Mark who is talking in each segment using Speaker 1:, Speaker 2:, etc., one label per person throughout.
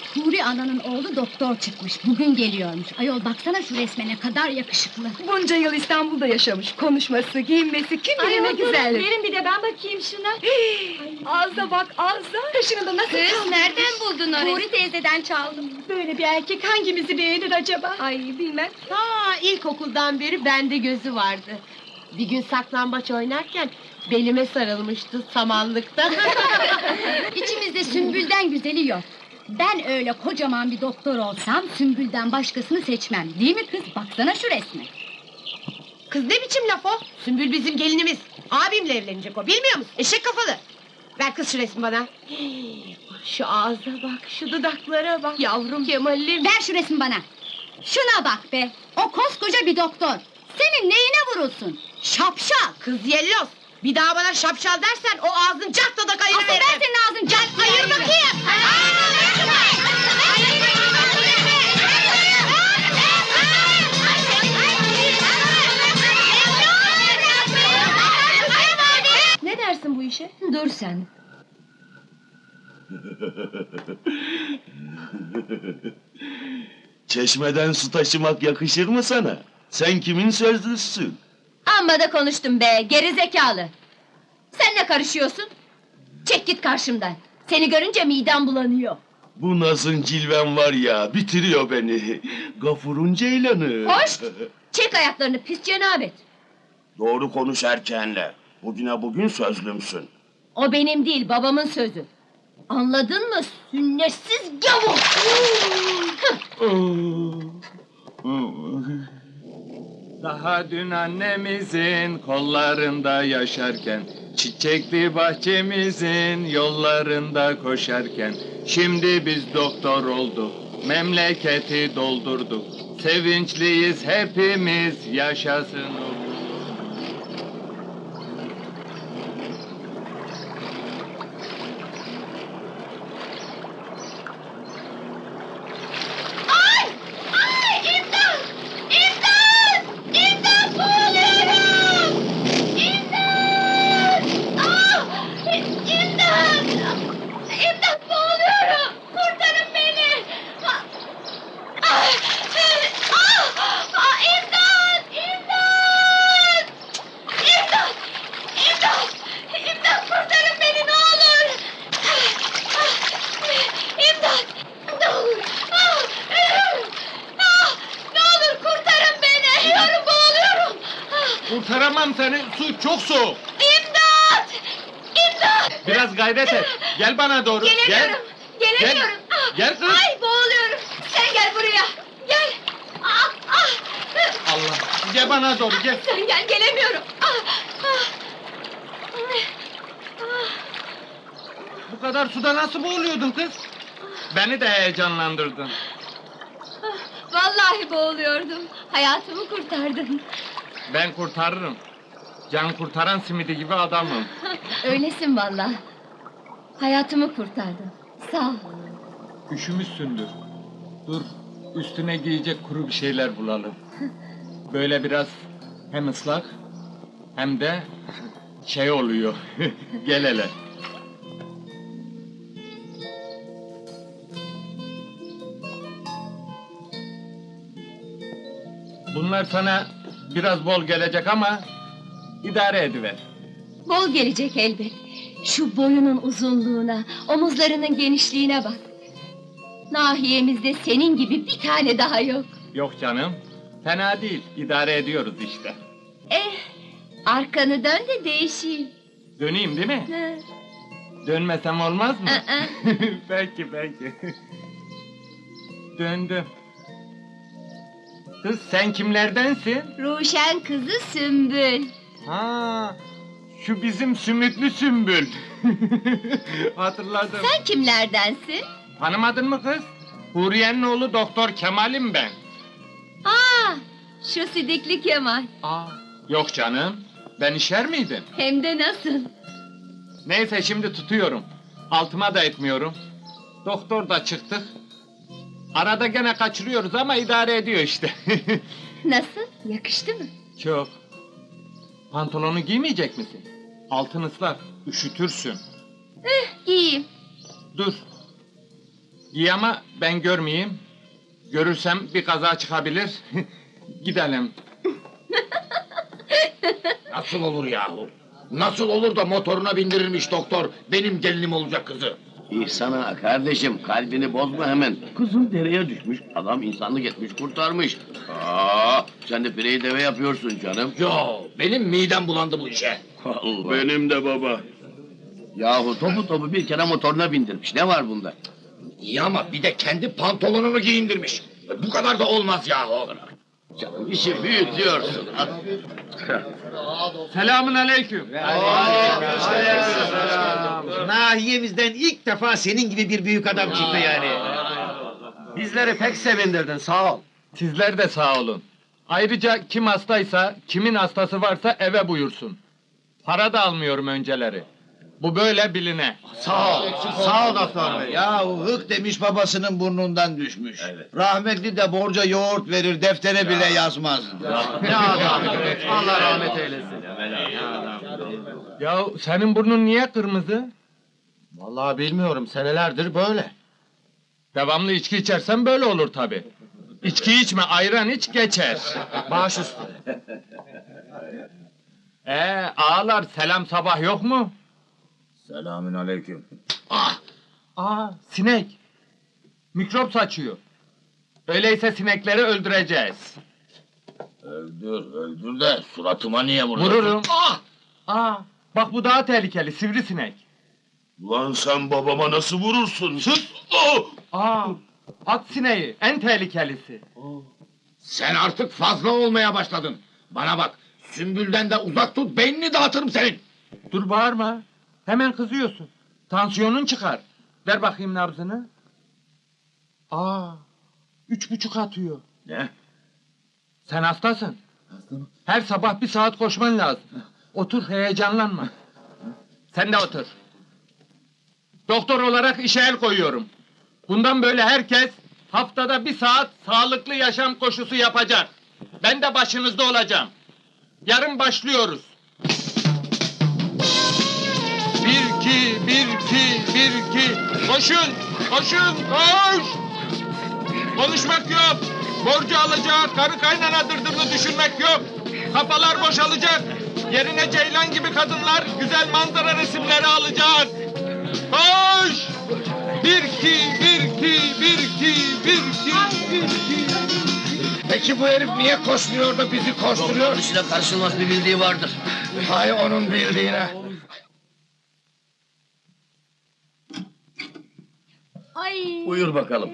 Speaker 1: Huri ananın oğlu doktor çıkmış, bugün geliyormuş. Ayol baksana şu resme, ne kadar yakışıklı.
Speaker 2: Bunca yıl İstanbul'da yaşamış. Konuşması, giyinmesi kim bilir ne güzel.
Speaker 3: Verin bir de ben bakayım şuna.
Speaker 2: Ağza bak ağza. Kaşını da nasıl
Speaker 1: Kız,
Speaker 2: kaldırdın?
Speaker 1: nereden buldun onu? Huri teyzeden çaldım.
Speaker 3: Böyle bir erkek hangimizi beğenir acaba?
Speaker 2: Ay bilmem.
Speaker 4: Ha, ilkokuldan beri bende gözü vardı. Bir gün saklambaç oynarken belime sarılmıştı samanlıkta.
Speaker 1: İçimizde Sümbül'den güzeli yok. Ben öyle kocaman bir doktor olsam Sümbül'den başkasını seçmem. Değil mi kız? Baksana şu resme.
Speaker 4: Kız ne biçim laf o? Sümbül bizim gelinimiz. Abimle evlenecek o, bilmiyor musun? Eşek kafalı. Ver kız şu resmi bana. Şu ağza bak, şu dudaklara bak. Yavrum Kemal'im.
Speaker 1: Ver şu resmi bana. Şuna bak be. O koskoca bir doktor. Senin neyine vurulsun? Şapşal.
Speaker 4: Kız yellos. Bir daha bana şapşal dersen o ağzın cartta da
Speaker 1: Asıl
Speaker 4: kayırıveririm.
Speaker 1: ben senin ağzın cart.
Speaker 4: Hayır bakayım.
Speaker 3: Ne dersin bu işe?
Speaker 1: Dur sen.
Speaker 5: Çeşmeden su taşımak yakışır mı sana? Sen kimin sözlüsün?
Speaker 3: Amma da konuştum be, geri zekalı. Sen ne karışıyorsun? Çek git karşımdan. Seni görünce midem bulanıyor.
Speaker 5: Bu nazın cilven var ya, bitiriyor beni. Gafurun ceylanı.
Speaker 3: Hoş! Çek ayaklarını pis cenabet.
Speaker 5: Doğru konuş erkeğinle. Bugüne bugün sözlümsün.
Speaker 3: O benim değil, babamın sözü. Anladın mı? Sünnetsiz gavur!
Speaker 6: Daha dün annemizin kollarında yaşarken, çiçekli bahçemizin yollarında koşarken, şimdi biz doktor olduk, memleketi doldurduk. Sevinçliyiz hepimiz, yaşasın o.
Speaker 3: İmdat, boğuluyorum! Kurtarın beni! İmdat! İmdat! İmdat! İmdat! İmdat, kurtarın beni ne olur! İmdat! Ne olur! Ölüyorum! Ne olur kurtarın beni! Ölüyorum, boğuluyorum!
Speaker 6: Kurtaramam seni, su çok soğuk.
Speaker 3: İmdat! İmdat!
Speaker 6: Biraz gayret et, gel bana doğru.
Speaker 3: Gelemiyorum! Gelemiyorum!
Speaker 6: Gel kız.
Speaker 3: Ay, boğuluyorum! Sen gel buraya! Gel!
Speaker 6: Allah, gel bana doğru, gel.
Speaker 3: Sen gel, gelemiyorum!
Speaker 6: Bu kadar suda nasıl boğuluyordun kız? Beni de heyecanlandırdın.
Speaker 3: Vallahi boğuluyordum. Hayatımı kurtardın.
Speaker 6: Ben kurtarırım. Can kurtaran simidi gibi adamım.
Speaker 3: Öylesin vallahi. Hayatımı kurtardın. Sağ ol.
Speaker 6: Üşümüşsündür. Dur, üstüne giyecek kuru bir şeyler bulalım. Böyle biraz hem ıslak hem de şey oluyor. Gel hele. Bunlar sana biraz bol gelecek ama idare ediver.
Speaker 3: Bol gelecek elbet. Şu boyunun uzunluğuna, omuzlarının genişliğine bak. Nahiyemizde senin gibi bir tane daha yok.
Speaker 6: Yok canım, fena değil, idare ediyoruz işte.
Speaker 3: Arkanı dön de değişeyim.
Speaker 6: Döneyim değil mi?
Speaker 3: Ha.
Speaker 6: Dönmesem olmaz mı?
Speaker 3: Aa.
Speaker 6: Peki. Döndüm. Kız sen kimlerdensin?
Speaker 3: Ruşen kızı Sümbül.
Speaker 6: Ha, şu bizim sümüklü Sümbül. Hatırladım.
Speaker 3: Sen kimlerdensin?
Speaker 6: Tanımadın mı kız? Huriye'nin oğlu Doktor Kemal'im ben.
Speaker 3: Şu sidikli Kemal.
Speaker 6: Yok canım, ben işer miydim?
Speaker 3: Hem de nasıl?
Speaker 6: Neyse şimdi tutuyorum. Altıma da etmiyorum. Doktor da çıktık. Arada gene kaçırıyoruz ama idare ediyor işte.
Speaker 3: Nasıl? Yakıştı mı?
Speaker 6: Çok. Pantolonu giymeyecek misin? Altın ıslak, üşütürsün.
Speaker 3: Giyeyim.
Speaker 6: Dur. Giy ama ben görmeyeyim. Görürsem bir kaza çıkabilir. Gidelim.
Speaker 7: Nasıl olur yahu? Nasıl olur da motoruna bindirirmiş doktor benim gelinim olacak kızı?
Speaker 5: İhsana kardeşim kalbini bozma hemen. Kızım dereye düşmüş, adam insanlık etmiş kurtarmış. Sen de pireyi deve yapıyorsun canım.
Speaker 7: Yo, benim midem bulandı bu işe.
Speaker 5: Allah. Benim de baba. Yahu topu bir kere motoruna bindirmiş, ne var bunda?
Speaker 7: İyi ama bir de kendi pantolonunu giyindirmiş. Bu kadar da olmaz yahu.
Speaker 5: Canım işi büyütüyorsun.
Speaker 6: Selamun aleyküm.
Speaker 8: Nahiyemizden ilk defa senin gibi bir büyük adam çıktı yani.
Speaker 5: Bizleri pek sevindirdin, sağ ol.
Speaker 6: Sizler de sağ olun. Ayrıca kim hastaysa, kimin hastası varsa eve buyursun. Para da almıyorum önceleri. Bu böyle biline.
Speaker 8: Sağ ol doktor bey. Yahu hık demiş babasının burnundan düşmüş. Rahmetli de borca yoğurt verir, deftere bile yazmaz. Ne adam. Allah rahmet eylesin.
Speaker 6: Ya senin burnun niye kırmızı?
Speaker 8: Vallahi bilmiyorum, senelerdir böyle.
Speaker 6: Devamlı içki içersen böyle olur tabi. İçki içme, ayran iç geçer.
Speaker 8: Baş üstüne.
Speaker 6: Ağalar selam sabah yok mu?
Speaker 7: Selamün aleyküm.
Speaker 6: Sinek. Mikrop saçıyor. Öyleyse sinekleri öldüreceğiz.
Speaker 7: Öldür de suratıma niye vuruyorsun?
Speaker 6: Vururum. Bak bu daha tehlikeli, sivrisinek.
Speaker 5: Ulan sen babama nasıl vurursun? Sus!
Speaker 6: At sineği, en tehlikelisi.
Speaker 7: Sen artık fazla olmaya başladın. Bana bak, Sümbül'den de uzak tut, beynini dağıtırım senin.
Speaker 6: Dur bağırma. Hemen kızıyorsun. Tansiyonun çıkar. Ver bakayım nabzını. 3,5 atıyor.
Speaker 7: Ne?
Speaker 6: Sen hastasın. Her sabah 1 saat koşman lazım. Otur, heyecanlanma. Sen de otur. Doktor olarak işe el koyuyorum. Bundan böyle herkes haftada 1 saat sağlıklı yaşam koşusu yapacak. Ben de başınızda olacağım. Yarın başlıyoruz. 1, 2, 1, 2, 1, 2. Koşun, koşun, koş! Konuşmak yok. Borcu alacak, karı kaynana dırdırını düşünmek yok. Kafalar boşalacak. Yerine ceylan gibi kadınlar güzel manzara resimleri alacak. Koş! 1, 2, 1, 2, 1, 2, 1, 2, 1, 2.
Speaker 7: Peki bu herif niye koşmuyor da bizi koşturuyor?
Speaker 5: Doktor karşılmaz bir bildiği vardır.
Speaker 7: Hay onun bildiğine.
Speaker 1: Ay.
Speaker 5: Buyur bakalım.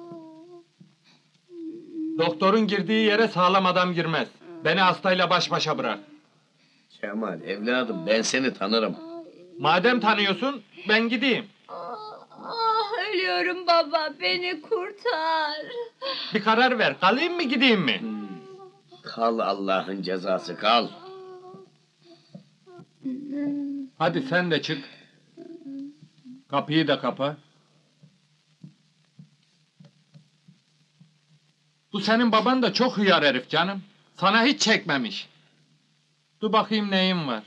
Speaker 6: Doktorun girdiği yere sağlam adam girmez. Beni hastayla baş başa bırak.
Speaker 5: Kemal evladım ben seni tanırım.
Speaker 6: Madem tanıyorsun, ben gideyim.
Speaker 3: Ölüyorum baba, beni kurtar.
Speaker 6: Bir karar ver, kalayım mı gideyim mi?
Speaker 5: Kal Allah'ın cezası kal.
Speaker 6: Hadi sen de çık. Kapıyı da kapa. Bu senin baban da çok hıyar herif canım. Sana hiç çekmemiş. Dur bakayım neyin var.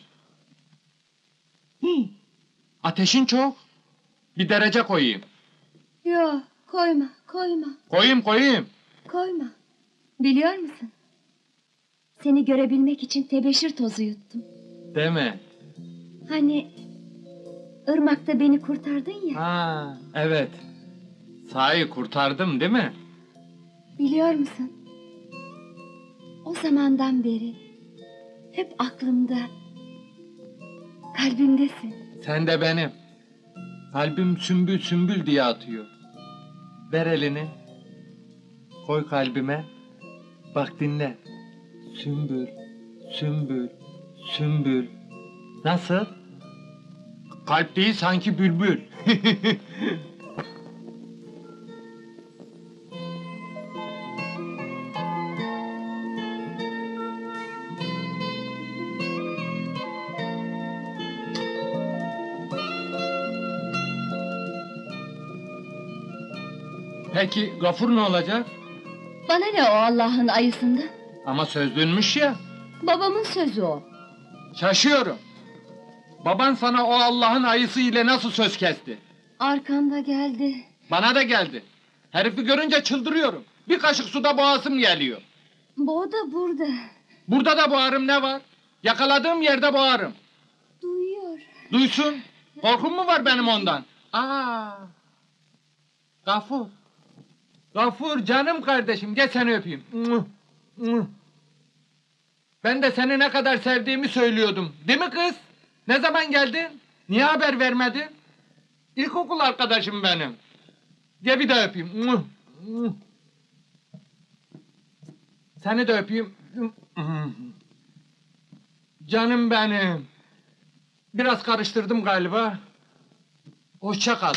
Speaker 6: Ateşin çok. Bir derece koyayım.
Speaker 3: Yok, koyma, koyma,
Speaker 6: Koyayım.
Speaker 3: koyma. Biliyor musun? Seni görebilmek için tebeşir tozu yuttum.
Speaker 6: Deme.
Speaker 3: Hani ırmakta beni kurtardın ya.
Speaker 6: Evet. Sahi kurtardım değil mi?
Speaker 3: Biliyor musun? O zamandan beri hep aklımda, kalbimdesin.
Speaker 6: Sen de benim. Kalbim sümbül sümbül diye atıyor. Ver elini. Koy kalbime. Bak dinle. Sümbül, sümbül, sümbül. Nasıl? Kalp değil sanki bülbül. Peki Gafur ne olacak?
Speaker 3: Bana ne o Allah'ın ayısından?
Speaker 6: Ama sözlünmüş ya.
Speaker 3: Babamın sözü o.
Speaker 6: Şaşıyorum. Baban sana o Allah'ın ayısı ile nasıl söz kesti?
Speaker 3: Arkanda geldi.
Speaker 6: Bana da geldi. Herifi görünce çıldırıyorum. Bir kaşık suda boğazım geliyor.
Speaker 3: Bu da burada.
Speaker 6: Burada da boğarım, ne var? Yakaladığım yerde boğarım.
Speaker 3: Duyuyor.
Speaker 6: Duysun. Korkum mu var benim ondan? Gafur. Gafur canım kardeşim, gel seni öpeyim. Ben de seni ne kadar sevdiğimi söylüyordum. Değil mi kız? Ne zaman geldin? Niye haber vermedin? İlkokul arkadaşım benim. Gel bir daha öpeyim. Seni de öpeyim. Canım benim. Biraz karıştırdım galiba. Hoşça kal.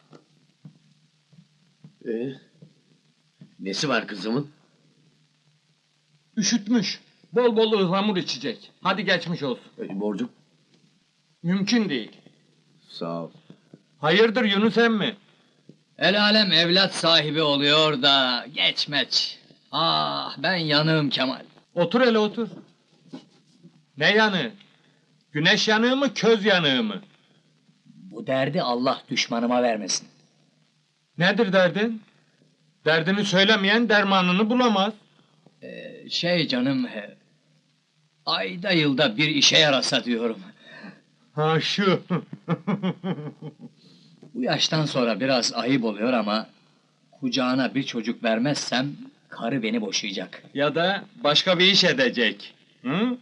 Speaker 5: Nesi var kızımın?
Speaker 6: Üşütmüş. Bol bol ıhlamur içecek. Hadi geçmiş olsun.
Speaker 5: Borcum?
Speaker 6: Mümkün değil.
Speaker 5: Sağ ol.
Speaker 6: Hayırdır Yunus emmi?
Speaker 9: El alem evlat sahibi oluyor da geçmeç. Ah ben yanığım Kemal.
Speaker 6: Otur hele otur. Ne yanığı? Güneş yanığı mı, köz yanığı mı?
Speaker 9: Bu derdi Allah düşmanıma vermesin.
Speaker 6: Nedir derdin? Derdini söylemeyen dermanını bulamaz.
Speaker 9: Canım, ayda yılda bir işe yarasa diyorum.
Speaker 6: Ha şu.
Speaker 9: Bu yaştan sonra biraz ayıp oluyor ama kucağına bir çocuk vermezsem karı beni boşayacak.
Speaker 6: Ya da başka bir iş edecek. Hı?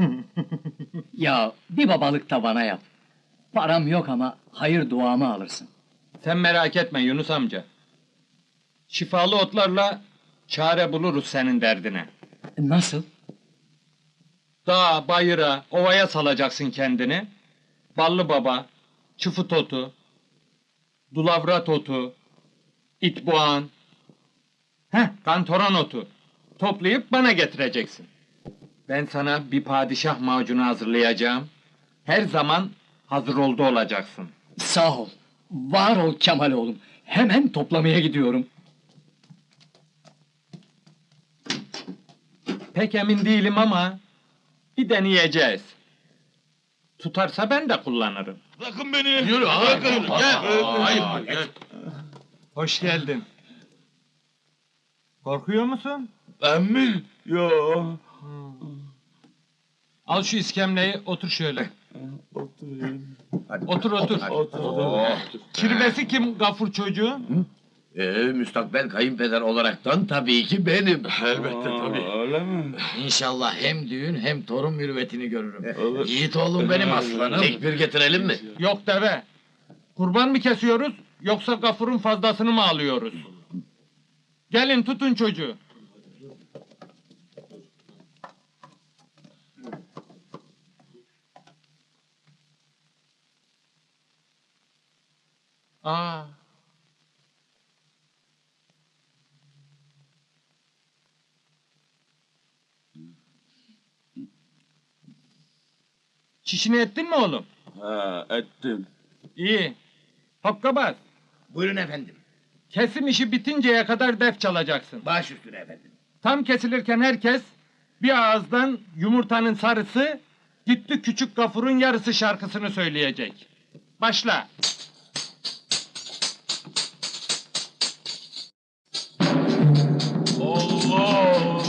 Speaker 9: Ya bir babalık da bana yap. Param yok ama hayır duamı alırsın.
Speaker 6: Sen merak etme Yunus amca. Şifalı otlarla çare buluruz senin derdine.
Speaker 9: Nasıl?
Speaker 6: Dağa, bayıra, ovaya salacaksın kendini. Ballı baba, çıfıt otu, dulavrat otu, itboğan, kantoran otu toplayıp bana getireceksin. Ben sana bir padişah macunu hazırlayacağım. Her zaman hazır oldu olacaksın.
Speaker 9: Sağ ol. Var ol Kemal oğlum. Hemen toplamaya gidiyorum.
Speaker 6: Pek emin değilim ama bir deneyeceğiz. Tutarsa ben de kullanırım.
Speaker 7: Bırakın beni. Yürü bırakın. Gel.
Speaker 6: Hoş geldin. Korkuyor musun?
Speaker 7: Ben mi? Yo.
Speaker 6: Al şu iskemleyi, otur şöyle.
Speaker 7: Oturayım.
Speaker 6: Otur otur. Kirvesi kim Gafur çocuğu?
Speaker 5: Müstakbel kayınpeder olaraktan tabii ki benim.
Speaker 7: Elbette tabii. Öyle mi?
Speaker 8: İnşallah hem düğün hem torun mürüvvetini görürüm. Yiğit oğlum benim aslanım.
Speaker 5: Tekbir getirelim mi?
Speaker 6: Yok deve. Kurban mı kesiyoruz, yoksa Gafur'un fazlasını mı alıyoruz? Gelin tutun çocuğu. Aa. Çişini ettin mi oğlum?
Speaker 7: Ha, ettim.
Speaker 6: İyi. Hokkabaz.
Speaker 8: Buyurun efendim.
Speaker 6: Kesim işi bitinceye kadar def çalacaksın.
Speaker 8: Baş üstüne efendim.
Speaker 6: Tam kesilirken herkes bir ağızdan yumurtanın sarısı, gitti küçük Gafur'un yarısı şarkısını söyleyecek. Başla.
Speaker 7: Allah!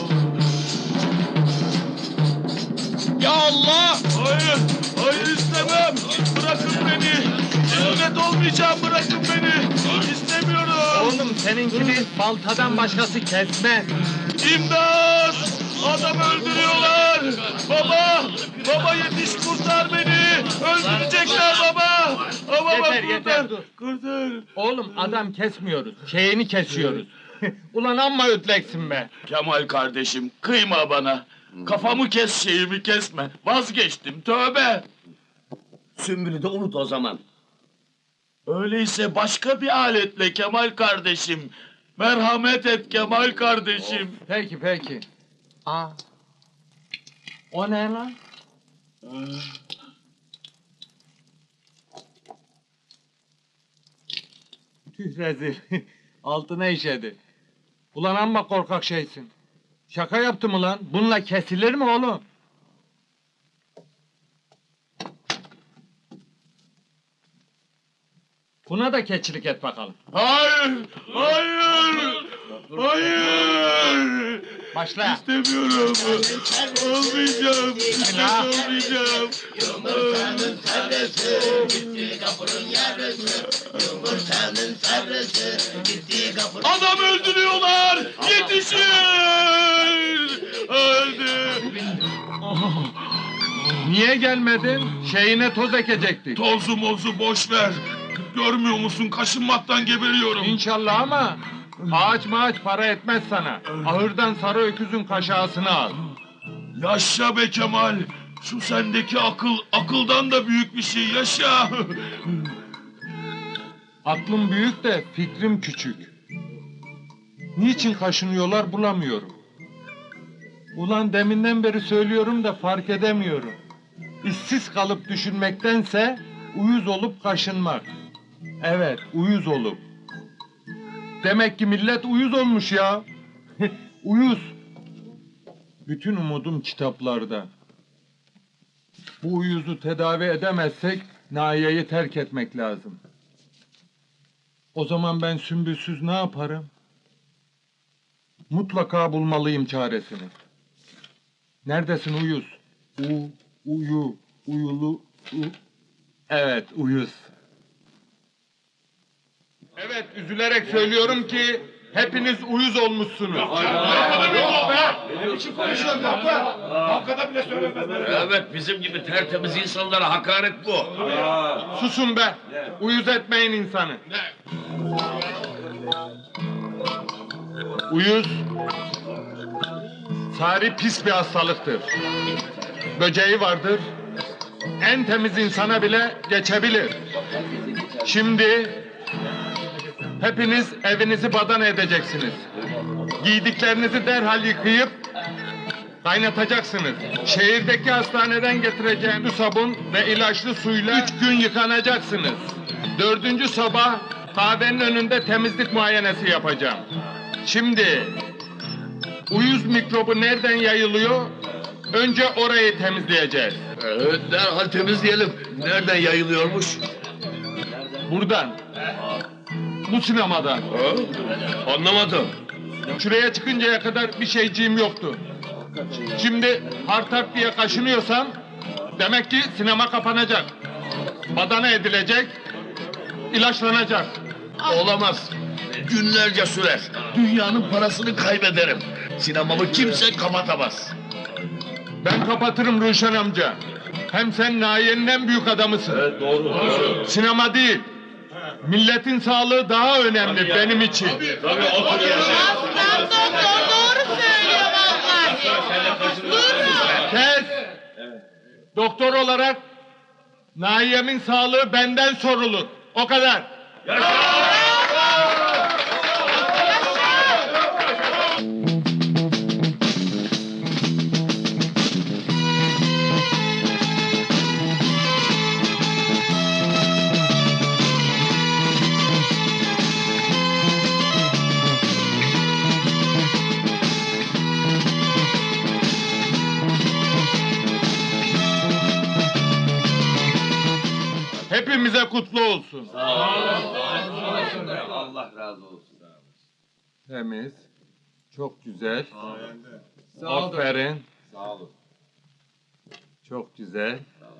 Speaker 7: Ya Allah! Hayır! Hayır istemem! Bırakın beni! Sünnet olmayacağım, bırakın beni! İstemiyorum!
Speaker 6: Oğlum seninkini baltadan başkası kesmez.
Speaker 7: İmdat! Adam öldürüyorlar! Baba! Baba yetiş kurtar beni! Öldürecekler baba! Baba
Speaker 6: Yeter,
Speaker 7: kurtar!
Speaker 6: yeter, dur.
Speaker 7: Kurtar!
Speaker 6: Oğlum adam kesmiyoruz, şeyini kesiyoruz. Ulan amma ötleksin be.
Speaker 7: Kemal kardeşim kıyma bana. Kafamı kes şeyimi kesme. Vazgeçtim tövbe.
Speaker 5: Sümbülü de unut o zaman.
Speaker 7: Öyleyse başka bir aletle Kemal kardeşim. Merhamet et Kemal kardeşim.
Speaker 6: Peki peki. Aa. O ne lan? Tüh rezil. Altına işedi. Ulan amma korkak şeysin. Şaka yaptım ulan. Bununla kesilir mi oğlum? Buna da keçilik et bakalım.
Speaker 7: Hayır! Hayır! Hayır!
Speaker 6: Başla.
Speaker 7: İstemiyorum. Olmayacağım.
Speaker 6: Bismillah.
Speaker 7: Olmayacağım.
Speaker 8: Yumurtanın sarısı, gitti kapının yarısı. Yumurtanın sarısı, gitti kapının...
Speaker 7: Adam öldürüyorlar! Yetişin! Öldü!
Speaker 6: Niye gelmedin? Şeyine toz ekecektik.
Speaker 7: Tozu mozu boş ver. Görmüyor musun? Kaşınmaktan geberiyorum.
Speaker 6: İnşallah ama ağaç mağaç para etmez sana. Ahırdan sarı öküzün kaşağısını al.
Speaker 7: Yaşa be Kemal. Şu sendeki akıl, akıldan da büyük bir şey. Yaşa!
Speaker 6: Aklım büyük de fikrim küçük. Niçin kaşınıyorlar bulamıyorum. Ulan deminden beri söylüyorum da fark edemiyorum. İşsiz kalıp düşünmektense uyuz olup kaşınmak. Evet, uyuz olup. Demek ki millet uyuz olmuş ya. Uyuz. Bütün umudum kitaplarda. Bu uyuzu tedavi edemezsek Nahiye'yi terk etmek lazım. O zaman ben Sümbülsüz ne yaparım? Mutlaka bulmalıyım çaresini. Neredesin uyuz? Uyulu. Evet, uyuz. Evet, üzülerek söylüyorum ki hepiniz uyuz olmuşsunuz.
Speaker 5: Evet, bizim gibi tertemiz insanlara hakaret bu.
Speaker 6: Susun be! Uyuz etmeyin insanı. Uyuz, sari pis bir hastalıktır. Böceği vardır, en temiz insana bile geçebilir. Şimdi hepiniz evinizi badana edeceksiniz. Giydiklerinizi derhal yıkayıp kaynatacaksınız. Şehirdeki hastaneden getireceğim bu sabun ve ilaçlı suyla 3 gün yıkanacaksınız. 4. sabah kahvenin önünde temizlik muayenesi yapacağım. Şimdi uyuz mikrobu nereden yayılıyor? Önce orayı temizleyeceğiz.
Speaker 5: Evet, derhal temizleyelim. Nereden yayılıyormuş?
Speaker 6: Buradan. Bu sinemadan.
Speaker 5: Ha? Anlamadım.
Speaker 6: Şuraya çıkıncaya kadar bir şeyciğim yoktu. Şimdi hartak diye kaşınıyorsam demek ki sinema kapanacak. Badana edilecek, ilaçlanacak.
Speaker 5: Olamaz. Günlerce sürer. Dünyanın parasını kaybederim. Sinemamı kimse kapatamaz.
Speaker 6: Ben kapatırım Ruşen amca. Hem sen Nahiye'nin en büyük adamısın.
Speaker 5: Evet, doğru.
Speaker 6: Sinema değil. Milletin sağlığı daha önemli benim için.
Speaker 5: Tabii otur yaşa.
Speaker 4: Doktor doğru söylüyor vallahi.
Speaker 6: Kes! Doktor olarak Nahiye'min sağlığı benden sorulur. O kadar. Hepimize kutlu olsun.
Speaker 5: Allah razı olsun.
Speaker 6: Temiz. Çok güzel. Aferin.
Speaker 5: Sağ olun.
Speaker 6: Çok güzel.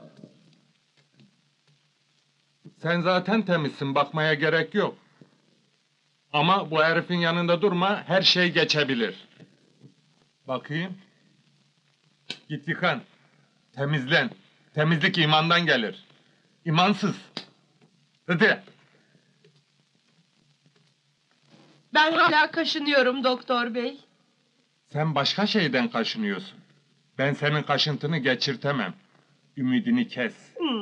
Speaker 6: Sen zaten temizsin, bakmaya gerek yok. Ama bu herifin yanında durma, her şey geçebilir. Bakayım. Git yıkan. Temizlen. Temizlik imandan gelir. İmansız. Hadi.
Speaker 2: Ben hala kaşınıyorum doktor bey.
Speaker 6: Sen başka şeyden kaşınıyorsun. Ben senin kaşıntını geçirtemem. Ümidini kes.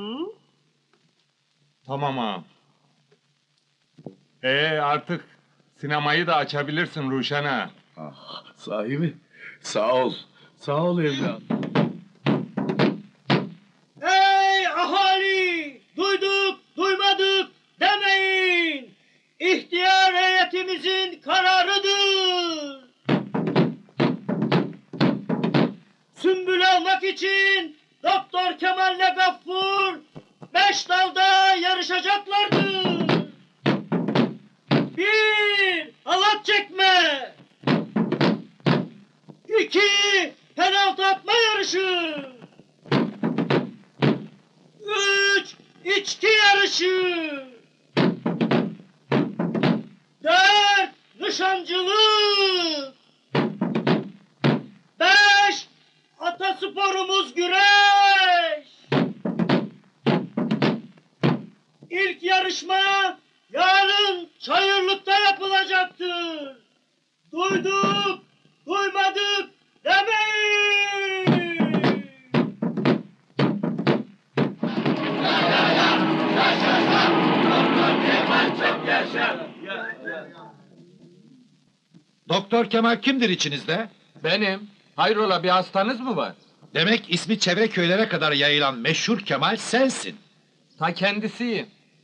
Speaker 6: Tamam ağam. Artık sinemayı da açabilirsin Ruşen ağa.
Speaker 5: Sahi mi? Sağ ol. Sağ ol evladım.
Speaker 10: Ey ahali! Duyduk, duymadık demeyin! İhtiyar heyetimizin kararıdır! Sümbül almak için Doktor Kemal'le Gaffur 5 dalda yarışacaklardır! 1. Halat çekme. 2. Penaltı atma yarışı. 3. İçki yarışı. 4. Nişancılık. 5. Atasporumuz güreş. İlk yarışma yarın Çayırlık'ta yapılacaktır. Duyduk, duymadık demeyin.
Speaker 8: Doktor Kemal kimdir içinizde?
Speaker 6: Benim. Hayrola bir hastanız mı var?
Speaker 8: Demek ismi çevre köylere kadar yayılan meşhur Kemal sensin.
Speaker 6: Ta kendisiyim.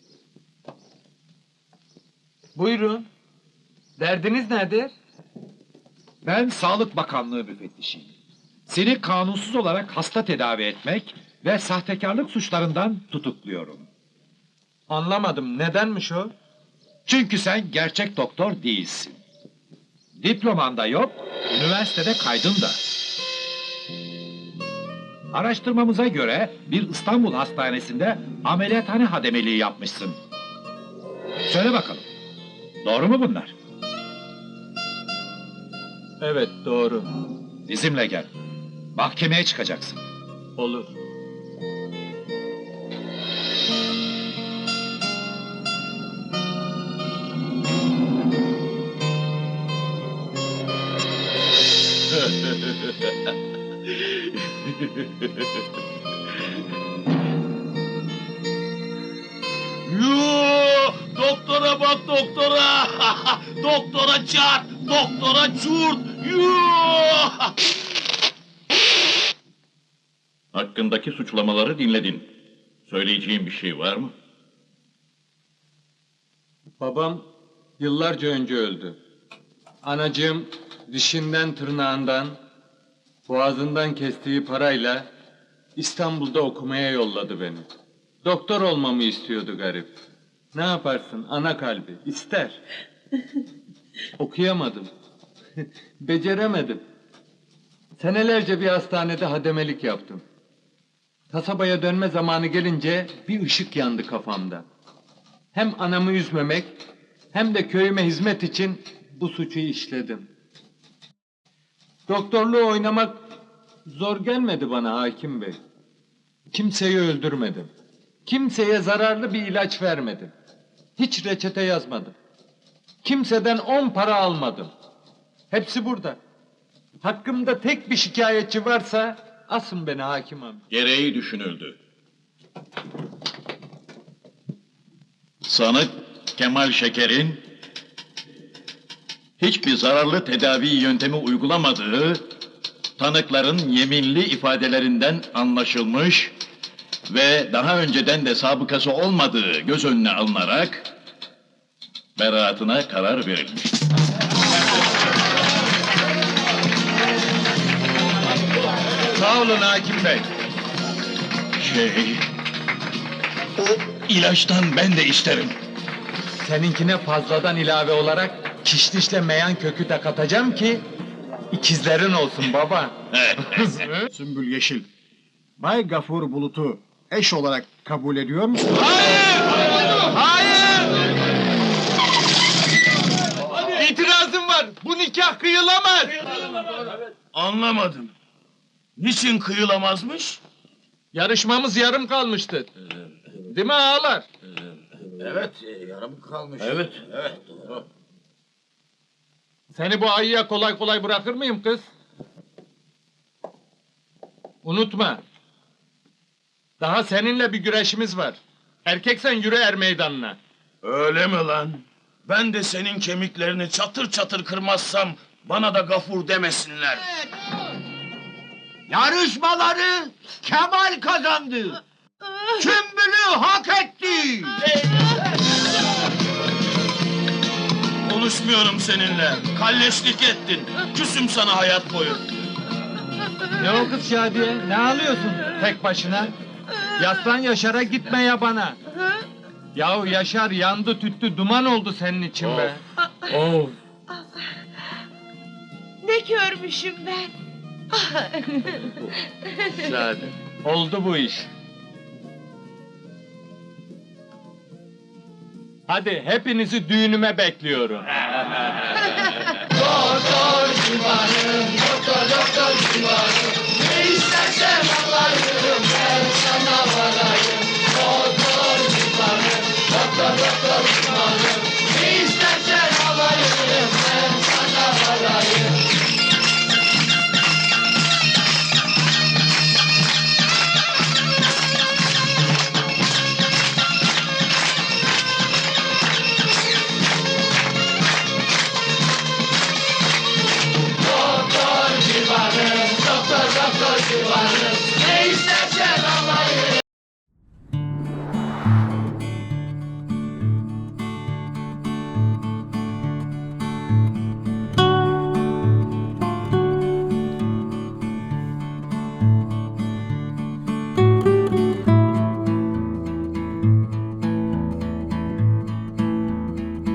Speaker 6: Buyurun. Derdiniz nedir?
Speaker 8: Ben Sağlık Bakanlığı müfettişiyim. Seni kanunsuz olarak hasta tedavi etmek ve sahtekarlık suçlarından tutukluyorum.
Speaker 6: Anlamadım. Nedenmiş o?
Speaker 8: Çünkü sen gerçek doktor değilsin. Diploman da yok, üniversitede kaydın da. Araştırmamıza göre bir İstanbul hastanesinde ameliyathane hademeliği yapmışsın. Söyle bakalım, doğru mu bunlar?
Speaker 6: Evet doğru.
Speaker 8: Bizimle gel. Mahkemeye çıkacaksın.
Speaker 6: Olur.
Speaker 5: Yoo, doktora bak doktora. Doktora çarp, doktora çurt. Yoo!
Speaker 7: Hakkındaki suçlamaları dinledin. Söyleyeceğin bir şey var mı?
Speaker 6: Babam yıllarca önce öldü. Anacığım dişinden tırnağından, boğazından kestiği parayla İstanbul'da okumaya yolladı beni. Doktor olmamı istiyordu garip. Ne yaparsın ana kalbi, ister. Okuyamadım. Beceremedim. Senelerce bir hastanede hademelik yaptım. Kasabaya dönme zamanı gelince bir ışık yandı kafamda. Hem anamı üzmemek hem de köyüme hizmet için bu suçu işledim. Doktorluğu oynamak zor gelmedi bana hakim bey. Kimseyi öldürmedim. Kimseye zararlı bir ilaç vermedim. Hiç reçete yazmadım. Kimseden 10 para almadım. Hepsi burada. Hakkımda tek bir şikayetçi varsa asın beni hakim amca.
Speaker 7: Gereği düşünüldü. Sanık Kemal Şeker'in hiçbir zararlı tedavi yöntemi uygulamadığı tanıkların yeminli ifadelerinden anlaşılmış ve daha önceden de sabıkası olmadığı göz önüne alınarak beraatına karar verilmiş.
Speaker 6: Sağ olun hakim bey.
Speaker 7: O ilaçtan ben de isterim.
Speaker 6: Seninkine fazladan ilave olarak kişnişle meyan kökü de katacağım ki ikizlerin olsun baba.
Speaker 11: Sümbül Yeşil, Bay Gafur Bulut'u eş olarak kabul ediyor musun?
Speaker 6: İtirazım var. Bu nikah kıyılamaz.
Speaker 5: Anlamadım. Niçin kıyılamazmış?
Speaker 6: Yarışmamız yarım kalmıştı. Değil mi ağalar?
Speaker 8: Evet, yarım kalmış.
Speaker 5: Evet.
Speaker 8: Evet, doğru.
Speaker 6: Seni bu ayıya kolay kolay bırakır mıyım kız? Unutma. Daha seninle bir güreşimiz var. Erkeksen yürü er meydanına.
Speaker 5: Öyle mi lan? Ben de senin kemiklerini çatır çatır kırmazsam bana da gafur demesinler.
Speaker 8: Yarışmaları Kemal kazandı. Sümbül'ü hak etti.
Speaker 5: Konuşmuyorum seninle. Kalleşlik ettin. Küsüm sana hayat boyu.
Speaker 6: Ne o kız Şadiye? Ne ağlıyorsun tek başına? Yaslan Yaşar'a gitme ya bana. Yahu Yaşar yandı tüttü duman oldu senin için be. Oh.
Speaker 4: Ne görmüşüm ben?
Speaker 5: Zaten.
Speaker 6: Oldu bu iş. Hadi hepinizi düğünüme bekliyorum.
Speaker 8: Doktor civanım